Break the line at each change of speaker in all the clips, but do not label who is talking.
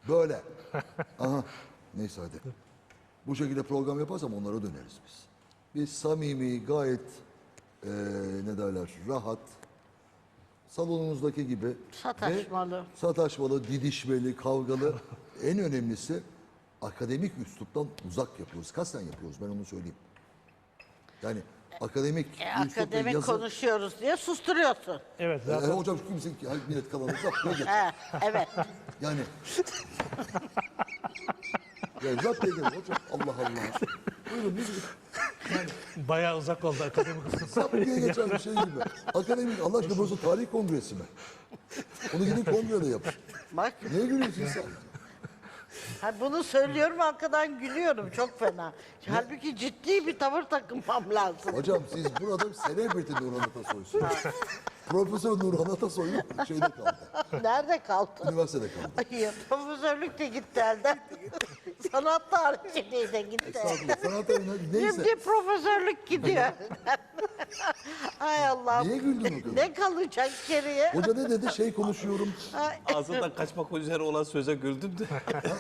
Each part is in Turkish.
Böyle. Aha. Neyse hadi. Bu şekilde program yaparsam onlara döneriz biz. Biz samimi, gayet ne derler, rahat, salonunuzdaki gibi
Sataşmalı.
ve sataşmalı, didişmeli, kavgalı. En önemlisi akademik üsluptan uzak yapıyoruz. Kasten yapıyoruz, ben onu söyleyeyim. Yani akademik üslupla
Akademik
yazı...
konuşuyoruz diye susturuyorsun.
Evet zaten
hocam kimse millet kalanı zaptıyor geç.
He, evet.
Yani... ya zaptıyor geç hocam, Allah Allah. Buyurun biz...
bayağı uzak oldu akademik kısmı.
Sap diye geçen bir şey gibi. Akademik, Allah aşkına burası tarih kongresi mi? Onu gidin kongrede yapın.
Bak,
Niye gülüyorsun sen?
ha, bunu söylüyorum arkadan gülüyorum çok fena. Halbuki ciddi bir tavır takınmam lazım.
Hocam siz burada celebrity Nurhan Atasoy'sunuz. Profesör Nurhan Atasoy şeyde kaldı.
Nerede kaldı?
Üniversitede kaldı.
Ay, profesörlük de gitti elden. Sanat tarihçiliği de gitti.
Estağfurullah. Sanat tarihi neyse.
Şimdi profesörlük gidiyor elden. Ay Allah'ım.
Niye güldün o kadar?
Ne kalacak geriye?
Hoca ne dedi? Şey konuşuyorum.
Ay,
Ağzından kaçmak üzere olan söze güldüm de.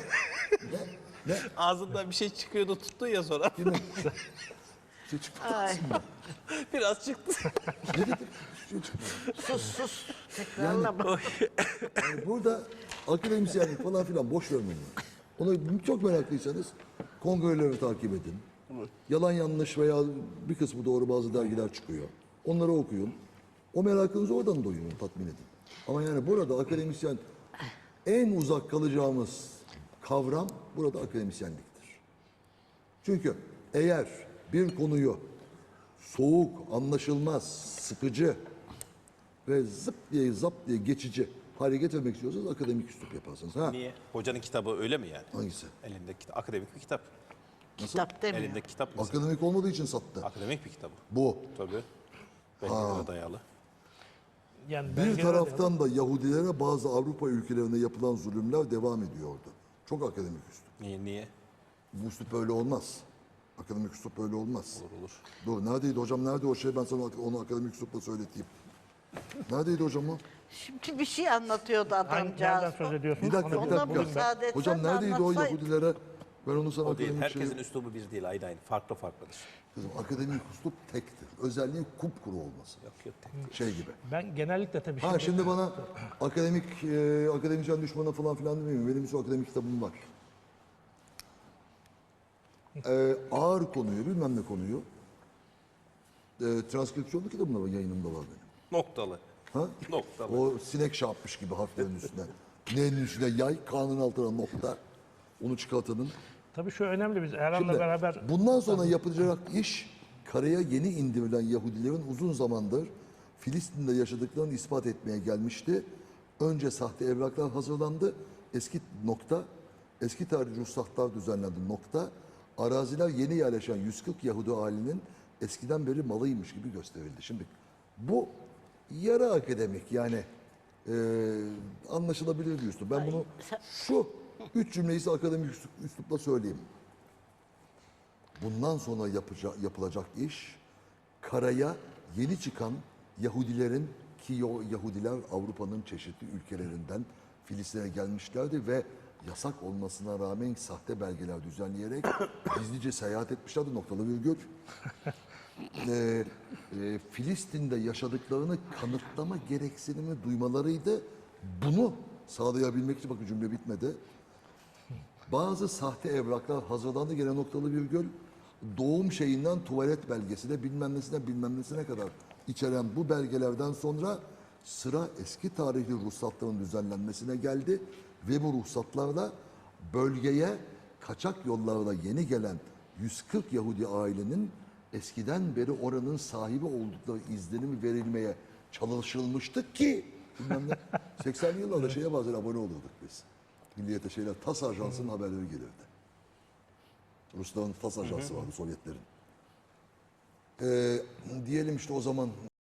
Ne?
Ağzından bir şey çıkıyordu tuttun ya sonra.
Kimin? Şey çıktı
ay.
aslında.
Biraz çıktı.
Ne dedi? Şey çıktı.
Sus. Tekrarla bak.
Yani burada akademisyenlik falan filan boş vermeyin. Onu çok meraklıysanız kongreleri takip edin. Yalan yanlış veya bir kısmı doğru bazı dergiler çıkıyor. Onları okuyun. O merakınızı oradan doyurun, tatmin edin. Ama yani burada akademisyen en uzak kalacağımız kavram burada akademisyenliktir. Çünkü eğer bir konuyu soğuk, anlaşılmaz, sıkıcı ve zıp diye zap diye geçici hale getirmek istiyorsanız akademik üslup yaparsınız. Ha?
Niye? Hocanın kitabı öyle mi yani?
Hangisi?
Elinde akademik bir kitap.
Kitap demiyor.
Elinde kitap mesela.
Akademik olmadığı için sattı.
Akademik bir kitap.
Bu.
Tabii. Belgelere dayalı.
Yani
Bir
belgeler-
taraftan da Yahudilere bazı Avrupa ülkelerinde yapılan zulümler devam ediyordu. Çok akademik üslup.
Niye?
Bu üslup böyle olmaz. Akademik üslup böyle olmaz.
Olur.
Dur neredeydi hocam, nerede o şey, ben sana onu akademik üslupla söyleteyim. Neredeydi hocam o?
Şimdi bir şey anlatıyordu
Hangi, nereden
adamcağız.
söz ediyorsunuz?
Bir dakika,
Onu
bir
Ona
dakika.
müsaade etsen
Hocam
de
neredeydi o
anlatsaydın.
Yahudilere? Ben onu sana
O değil.
akademik
Herkesin
şey...
üslubu bir değil. Aynı. Farklıdır.
Kızım akademik üslup tektir. Özelliği kupkuru olması.
Yok tek.
Şey gibi.
Ben genellikle tabii
Ha şimdi bana akademisyen düşmanı falan filan demiyorum. Benim bir akademik kitabım var. Ağır konuyu, bilmem ne konuyu transkripsiyonlu kitabım da yayınımda var benim.
Noktalı.
Ha?
Noktalı.
O sinek şey yapmış gibi harflerin üstüne. N'nin üstüne yay, K'nın altına nokta. Onu çıkartanın.
tabii şu önemli, biz Erhan'la
Şimdi
beraber
bundan sonra yapılacak iş karaya yeni indirilen Yahudilerin uzun zamandır Filistin'de yaşadıklarını ispat etmeye gelmişti. Önce sahte evraklar hazırlandı. Eski tarih ruhsatlar düzenlendi nokta. Araziler yeni yerleşen 140 Yahudi ailenin eskiden beri malıymış gibi gösterildi. Şimdi bu yarı akademik yani anlaşılabilir bir üslup. Ben bunu şu 3 cümleyi size akademik üslupla söyleyeyim. Bundan sonra yapılacak iş karaya yeni çıkan Yahudilerin ki o Yahudiler Avrupa'nın çeşitli ülkelerinden Filistin'e gelmişlerdi ve yasak olmasına rağmen sahte belgeler düzenleyerek gizlice seyahat etmişlerdi, noktalı virgül. Filistin'de yaşadıklarını kanıtlama gereksinimi duymalarıydı. Bunu sağlayabilmek için, bakın cümle bitmedi. Bazı sahte evraklar hazırlandı, gene noktalı virgül. Doğum şeyinden tuvalet belgesine bilmem nesine kadar içeren bu belgelerden sonra sıra eski tarihli ruhsatların düzenlenmesine geldi. Ve bu ruhsatlarla bölgeye kaçak yollarla yeni gelen 140 Yahudi ailenin eskiden beri oranın sahibi oldukları izlenimi verilmeye çalışılmıştı ki bilmem ne 80'li yıllarda şeye bazen abone olurduk biz. Milliyete şeyler, TAS Ajansı'nın haberleri gelirdi. Rusların TAS Ajansı vardı, Sovyetlerin. Diyelim işte o zaman